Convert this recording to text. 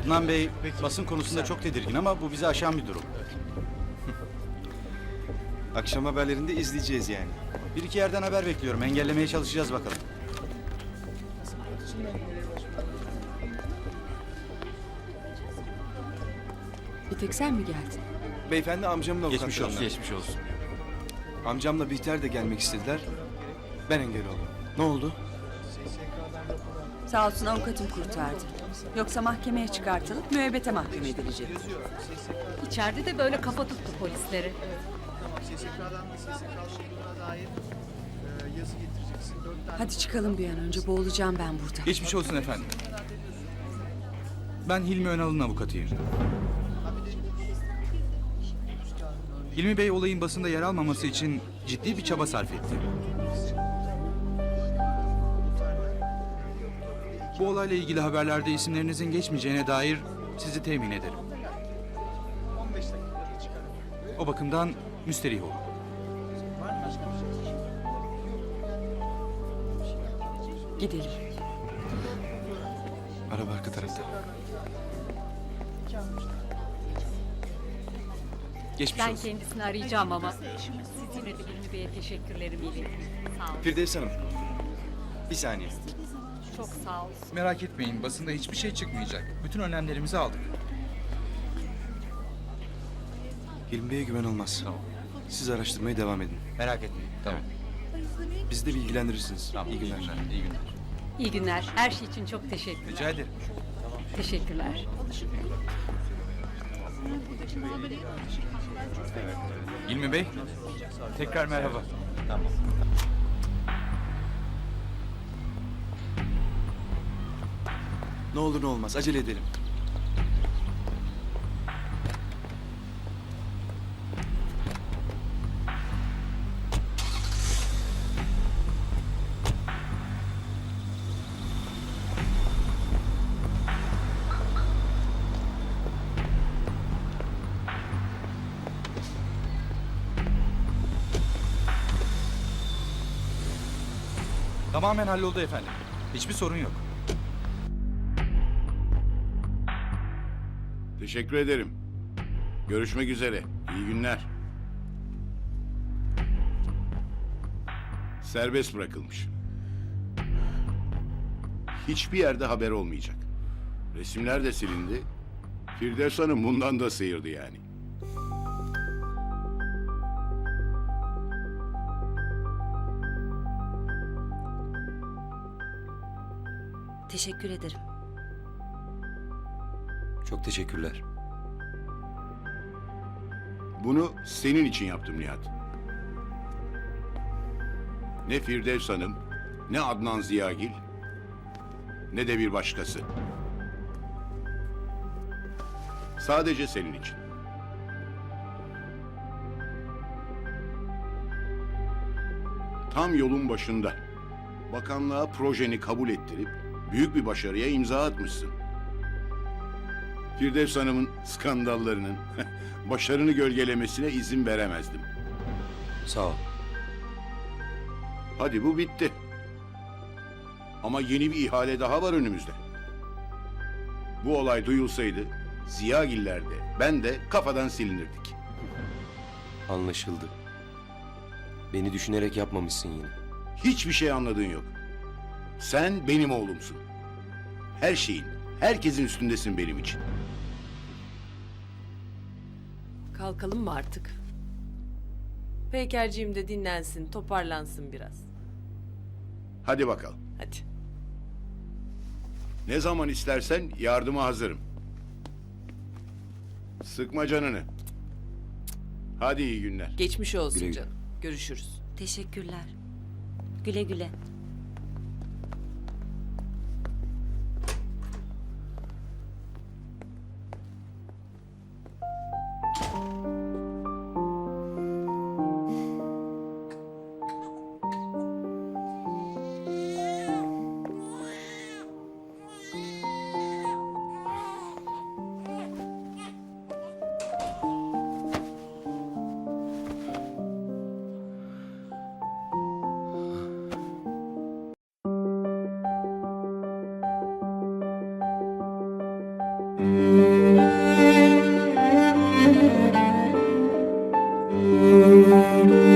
Adnan Bey basın konusunda çok tedirgin ama bu bizi aşan bir durum. Akşam haberlerinde izleyeceğiz yani. Bir iki yerden haber bekliyorum. Engellemeye çalışacağız bakalım. Bir tek sen mi geldin? Beyefendi amcamın avukatlarından. Geçmiş olsun. Geçmiş olsun. Amcamla Bihter de gelmek istediler. Ben engel oldum. Ne oldu? Sağ olsun avukatım kurtardı. Yoksa mahkemeye çıkartılıp müebbete mahkum edilecek. İçeride de böyle kafa tuttu polisleri. Hadi çıkalım bir an önce, boğulacağım ben burada. Geçmiş olsun efendim. Ben Hilmi Önal'ın avukatıyım. Hilmi Bey olayın basında yer almaması için ciddi bir çaba sarf etti. Bu olayla ilgili haberlerde isimlerinizin geçmeyeceğine dair sizi temin ederim. O bakımdan müsterih olun. Gidelim. Araba arka tarafta. Geçmiş Ben olsun. kendisini arayacağım ama. Siz yine de Hilmi Bey'e teşekkürlerimi iletin. Sağ olun. Firdevs Hanım. Bir saniye. Çok sağ olun. Merak etmeyin, basında hiçbir şey çıkmayacak. Bütün önlemlerimizi aldık. Hilmi Bey'e güven olmaz. Tamam. Siz araştırmaya devam edin. Merak etmeyin. Tamam. Bizi de bilgilendirirsiniz. Tamam. İyi günler. İyi günler. İyi günler. Her şey için çok teşekkürler. Rica ederim. Teşekkürler. Hilmi Bey, tekrar merhaba. Ne olur ne olmaz. Acele edelim. Tamamen halloldu efendim. Hiçbir sorun yok. Teşekkür ederim. Görüşmek üzere. İyi günler. Serbest bırakılmış. Hiçbir yerde haber olmayacak. Resimler de silindi. Firdevs Hanım bundan da sıyırdı yani. Teşekkür ederim. Çok teşekkürler. Bunu senin için yaptım Nihat. Ne Firdevs Hanım, ne Adnan Ziyagil, ne de bir başkası. Sadece senin için. Tam yolun başında bakanlığa projeni kabul ettirip büyük bir başarıya imza atmışsın. Firdevs Hanım'ın skandallarının başarını gölgelemesine izin veremezdim. Sağ ol. Hadi bu bitti. Ama yeni bir ihale daha var önümüzde. Bu olay duyulsaydı Ziyagiller de ben de kafadan silinirdik. Anlaşıldı. Beni düşünerek yapmamışsın yine. Hiçbir şey anladığın yok. Sen benim oğlumsun. Her şeyin, herkesin üstündesin benim için. Kalkalım mı artık? Peykerciğim de dinlensin, toparlansın biraz. Hadi bakalım. Hadi. Ne zaman istersen yardıma hazırım. Sıkma canını. Hadi iyi günler. Geçmiş olsun Güle güle. canım. Görüşürüz. Teşekkürler. Güle güle. Müzik